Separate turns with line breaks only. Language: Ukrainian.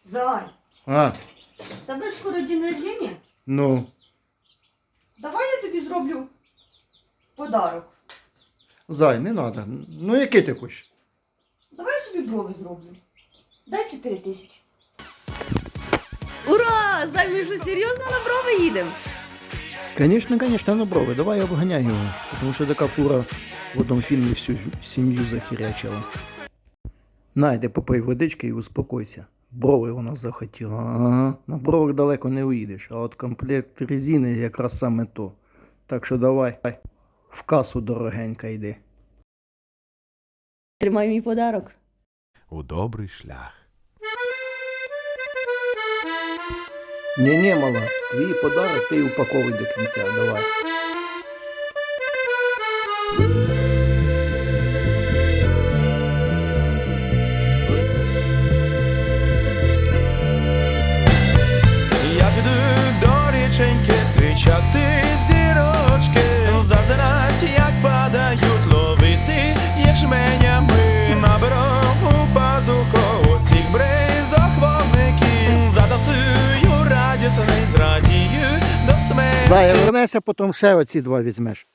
Зай,
А,
тебе ж скоро день рождения.
ну,
Давай я тобі зроблю подарок.
зай, не треба. Ну, який ти хочеш?
Давай я собі брови зроблю. Дай 4 тисячі.
Ура! Зай, ми що, серйозно на брови їдемо?
Звісно, на брови. Давай я обганяю його. Тому що така фура в одному фільмі всю сім'ю захірячила. Найди, попий водички і успокойся. Брови вона захотіла. Ага. На бровах далеко не уїдеш, а от комплект резини якраз саме то. Так що давай, в касу дорогенька йди.
Тримай мій подарок.
У добрий шлях.
Ні, мала, твій подарок ти упаковуй до кінця, давай.
Я піду до річеньки зустрічати зірочки, зазирать, як падають, ловити їх жменями. Наберу у пазуху цих бризок вогників, затанцюю радісний, зрадію до смерті.
Зая, вернешся, потім ще оці два візьмеш.